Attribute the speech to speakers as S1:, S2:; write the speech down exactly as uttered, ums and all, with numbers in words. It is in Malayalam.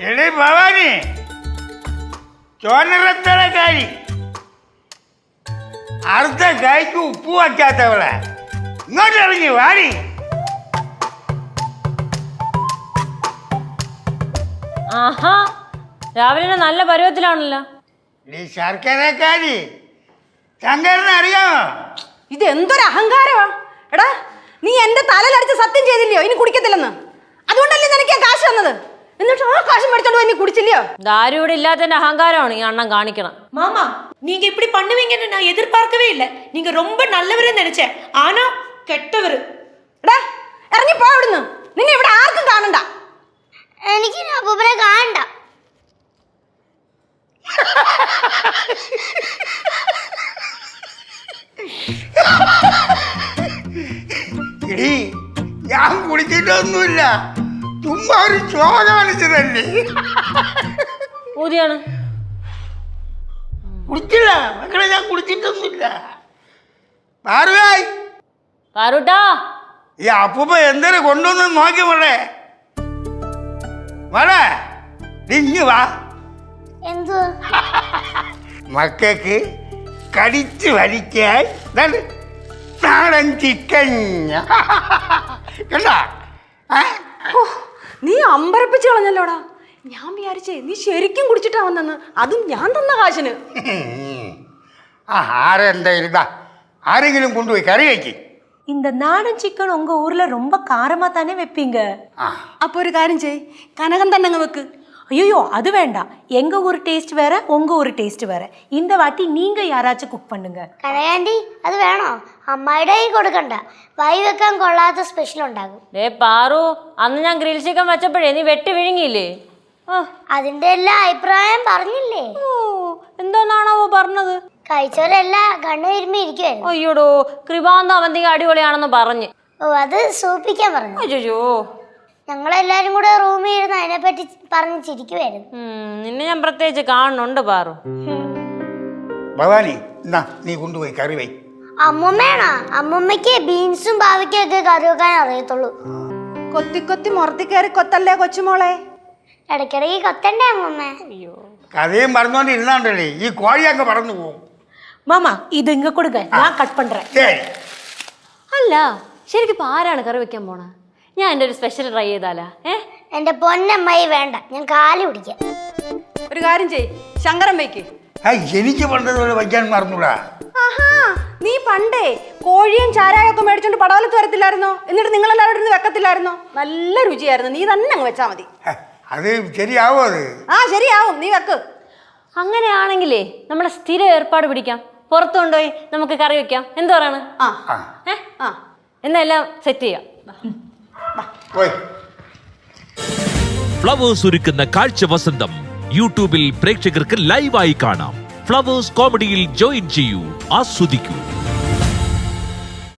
S1: എടേ ഭവാനി, ചോനറത്തലക്കാരി, അടുത്ത കായ്ക്ക് ഉപ്പ് വയ്ക്കാത്തവളെ ഇങ്ങോട്ട് ഇറങ്ങി വാടി.
S2: ആഹാ, രാവിലെ നല്ല പരുവത്തിലാണല്ലോ.
S1: ഈ ശർക്കരക്കാരി ശങ്കരനെ അറിയാമോ?
S3: ഇത് എന്തൊരു അഹങ്കാരമാ എടാ. നീ എന്റെ തലയിലടിച്ച് സത്യം ചെയ്തില്ലയോ ഇനി കുടിക്കത്തില്ലെന്ന്? അതുകൊണ്ടല്ലേ നിനക്ക് ആ കാശ് തന്നത്. എന്നിട്ട് ആ കാശ് മേടിച്ചോണ്ട് പോയി നീ കുടിച്ചില്ലയോ?
S2: ദാരു ഇവിടെ ഇല്ലാത്തതിന്റെ അഹങ്കാരമാണ് ഈ അണ്ണൻ കാണിക്കണം.
S4: மாமா நீங்க இப்படி பண்ணுவீங்கன்னு நான் எதிர்பார்க்கவே இல்லை. நீங்க ரொம்ப நல்லவரே நினைச்சேன், ஆனா கெட்டவர்.
S3: എടാ ഇറങ്ങി പോ അവിടുന്ന്. നിന്നെ ഇവിടെ ആർക്കും കാണണ്ട.
S5: എനിക്ക് അപ്പൂപ്പനെ കാണണ്ട.
S1: ഇടി, ഞാൻ കുടിച്ചിട്ടൊന്നുമില്ല, ചുമ്മാ ഒരു ചോ കാണിച്ചതല്ലേ.
S2: ഊതിയാണ്
S1: കുടിച്ചില്ല മക്കളെ, ഞാൻ കുടിച്ചിട്ടൊന്നുമില്ല. പാറുവായി
S2: പാറുട്ടാ,
S1: ഈ അപ്പൂപ്പ എന്തൊരു കൊണ്ടുവന്ന് നോക്കി മോളെ. മോളെ ഇഞ്ഞു വാ.
S5: എന്തു
S1: മക്കൾക്ക് കടിച്ചു വലിക്കാൻ നാടൻ ചിക്കൻ കണ്ട.
S3: നീ അമ്പരപ്പിച്ച് കളഞ്ഞല്ലോടാ. ഞാൻ വിചാരിച്ചേ നീ ശരിക്കും കുടിച്ചിട്ടാ വന്നെന്ന്. അതും ഞാൻ തന്ന കാശിന്.
S1: ആ ആരെന്തായാലും ഇതാ ആരെങ്കിലും കൊണ്ടുപോയി കറി വയ്ക്ക്.
S4: இந்த நாடன் சிக்கன் உங்க ஊர்ல ரொம்ப காரமா தானே வைப்பீங்க?
S3: അപ്പൊ ഒരു കാര്യം ചെയ്, കനകം തന്നെ അങ്ങ് വെക്ക്.
S4: ஐயோ அது வேண்டாம். எங்க ஊர் டேஸ்ட் வேற, உங்க ஊர் டேஸ்ட் வேற. இந்த வாட்டி நீங்க யாராச்சும் குக் பண்ணுங்க.
S5: കനകാന്റി അത് വേണോ? അമ്മായിയുടെ കൈ കൊടുക്കണ്ട, വൈ വെക്കാൻ കൊള്ളാത്ത സ്പെഷ്യൽ ഉണ്ടാകും.
S2: ഡേ പാറു, അന്ന് ഞാൻ ഗ്രിൽ ചിക്കൻ വെച്ചപ്പോഴേ നീ വെട്ടി വിഴുങ്ങിയില്ലേ?
S5: അതിന്റെ എല്ലാ അഭിപ്രായം പറഞ്ഞില്ലേ?
S2: ഓ, എന്തോന്നാണാവോ പറഞ്ഞത്?
S5: കഴിച്ചവരെല്ലാം കണ്ണു തിരുമ്പി ഇരിക്കുവായിരുന്നു.
S2: അയ്യോടോ, കൃപാന്ത അവന്തിക അടിപൊളിയാണെന്ന് പറഞ്ഞ്.
S5: ഓ, അത് സൂപ്പിക്കാൻ പറഞ്ഞു.
S2: അയ്യോ,
S5: ഞങ്ങളെല്ലാരും കൂടെ റൂമിൽ ഇരുന്ന് അതിനെപ്പറ്റി പറഞ്ഞ് ചിരിക്കുവായിരുന്നു.
S2: നിന്നെ ഞാൻ പ്രത്യേകിച്ച് കാണുന്നുണ്ട് പാറു.
S1: ഭവാനി എന്നാ നീ കൊണ്ടുപോയി കറി വൈ.
S5: അമ്മൂമ്മയാണോ? അമ്മൂമ്മയ്ക്ക് ബീൻസും പാവയ്ക്കും ഒക്കെ കറി വെക്കാൻ അറിയത്തുള്ളൂ.
S3: കൊത്തി കൊത്തി മുറത്തി കയറി കൊത്തല്ലേ കൊച്ചുമോളെ.
S5: ഇടയ്ക്കിടയ്ക്ക് കൊത്തണ്ടേ അമ്മൂമ്മ?
S1: കഥയും പറഞ്ഞോണ്ടിരുന്നാണ്ടല്ലേ ഈ കോഴിയൊക്കെ പറന്നു പോകും.
S4: மாமா இது இங்க கொடுங்க, நான் கட் பண்றேன்.
S1: ശരി.
S2: അല്ല, ശരിക്കും ഇപ്പൊ ആരാണ് കറി വെക്കാൻ പോണ? ഞാൻ എൻ്റെ ഒരു സ്പെഷ്യൽ ട്രൈ ചെയ്താലാ? ഏ
S5: എന്റെ പൊന്നമ്മായി വേണ്ട, ഞാൻ കാല് പിടിക്കാം.
S3: ഒരു കാര്യം ചെയ്, ശങ്കരൻ വയ്ക്ക്.
S1: എനിക്ക് പണ്ടതുപോലെ വയ്ക്കാൻ മറന്നൂടാ.
S3: ആഹാ, നീ പണ്ടേ കോഴിയും ചാരായൊക്കെ മേടിച്ചോണ്ട് പടവലത്ത് വരത്തില്ലായിരുന്നോ? എന്നിട്ട് നിങ്ങളെല്ലാവരും ഇരുന്ന് വെക്കത്തില്ലായിരുന്നോ? നല്ല രുചിയായിരുന്നു. നീ തന്നെ അങ്ങ് വെച്ചാ മതി.
S1: അത് ശരിയാവോ? അത്
S3: ആ ശരിയാവും, നീ വെക്ക്.
S2: അങ്ങനെയാണെങ്കിലേ നമ്മളെ സ്ഥിര ഏർപ്പാട് പിടിക്കാം. പുറത്തു കൊണ്ടുപോയി നമുക്ക് കറി വെക്കാം. എന്ത് പറയാണ്?
S3: ആ
S2: ഏ ആ എന്നാ എല്ലാം സെറ്റ് ചെയ്യാം.
S6: ഫ്ലവേഴ്സ് ഒരുക്കുന്ന കാഴ്ച വസന്തം യൂട്യൂബിൽ പ്രേക്ഷകർക്ക് ലൈവായി കാണാം. ഫ്ലവേഴ്സ് കോമഡിയിൽ ജോയിൻ ചെയ്യൂ, ആസ്വദിക്കൂ.